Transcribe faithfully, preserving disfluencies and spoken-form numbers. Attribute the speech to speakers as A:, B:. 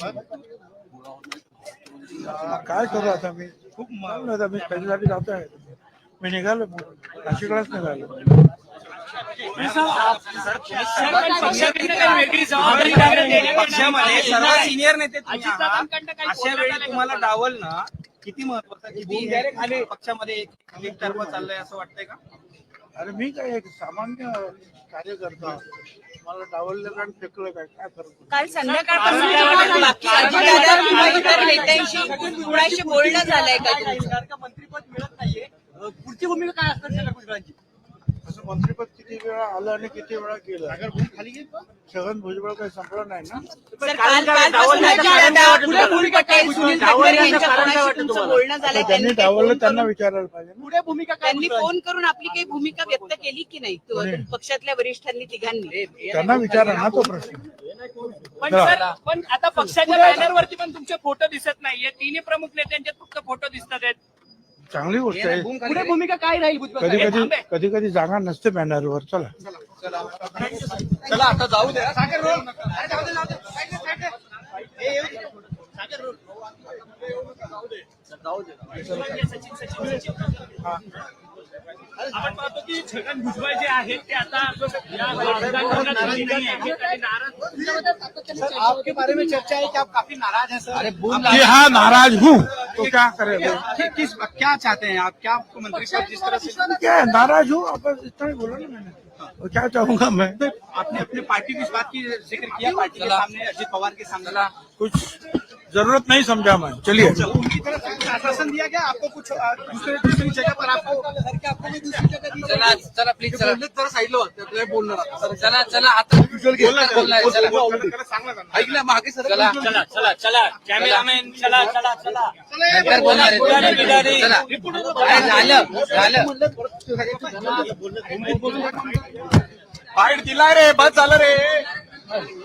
A: काय करू आता मी खूप मारलं आता मी त्याच्यासाठी जातो आहे मी निघालो नाशिकलाच निघालो
B: पक्षामध्ये सर्व सिनियर नेते अशा वेळी तुम्हाला डावल ना किती महत्वाचं किती पक्षामध्ये एकतर्फा चाललंय असं वाटतंय का?
A: अरे मी काय एक सामान्य कार्यकर्ता मला डावललं आणि फेकलं काय काय फरक
C: काल संध्याकाळपासून बाकी अजितदादा किंवा इतर नेत्यांशी कुणाशी बोलणं झालंय का?
B: मंत्रिपद मिळत नाहीये, पुढची भूमिका काय असणार गुजरातची?
A: असं मंत्रिपद किती वेळा आलं आणि किती वेळा केलं खाली छगन भुजबळ काही संपलं नाही ना.
C: सर काल कालपासून अजितदादा पटेल सुनील तटकरे यांच्या कोणाशी तुमचं बोलणं झालंय?
A: त्यांनी डावललं त्यांना विचारायला पाहिजे
B: पुढे भूमिका काय?
C: त्यांनी फोन करून आपली काही भूमिका व्यक्त केली की नाही तो- पक्षातल्या वरिष्ठांनी तिघांनी?
A: त्यांना विचारा ना तो प्रश्न.
D: पण सर पण आता पक्षाच्या बॅनरवरती पण तुमचे फोटो दिसत नाहीये. तिन्ही प्रमुख नेत्यांचे फक्त फोटो दिसतात आहेत.
A: चांगली गोष्ट आहे.
B: पुढे भूमिका काय राहील?
A: कधी कधी कधी कधी जागा नसते बॅनरवर. चला
B: चला आता जाऊ द्या. सागर रोल.
D: आपण पाहतो की छगन भुजबळ जे आहेत ते आता या राजकारणात नाही आहेत आणि नाराज.
B: आपके बारे में चर्चा है कि आप काफी नाराज हैं सर. अरे
A: कि हाँ नाराज हूँ तो क्या करेगा
B: किस क्या चाहते हैं आप? क्या आपको मंत्रिपद जिस तरह से
A: क्या है, नाराज हूँ आप इतना ही बोला ना मैंने और क्या चाहूंगा मैं.
B: आपने अपने पार्टी की इस बात की जिक्र किया पार्टी के सामने अजित पवार के सामने
A: कुछ जरूरत नहीं समझा मैं. चलिए
B: उनकी तरफ से आश्वासन दिया गया आपको कुछ अ, दूसरे दूसरी जगह पर आपको आपको भी दूसरी जगह दी?
E: चला चला प्लीज चला
B: जरा साईडला बोलणार
E: चला चला आता
B: ऐकलं मागे सर.
E: चला
D: चला चला चला कॅमेरामॅन चला चला चला
E: नंतर बोलणार आहे. चला अरे झालं झालं
B: फाईट दिला रे, बस झालं रे.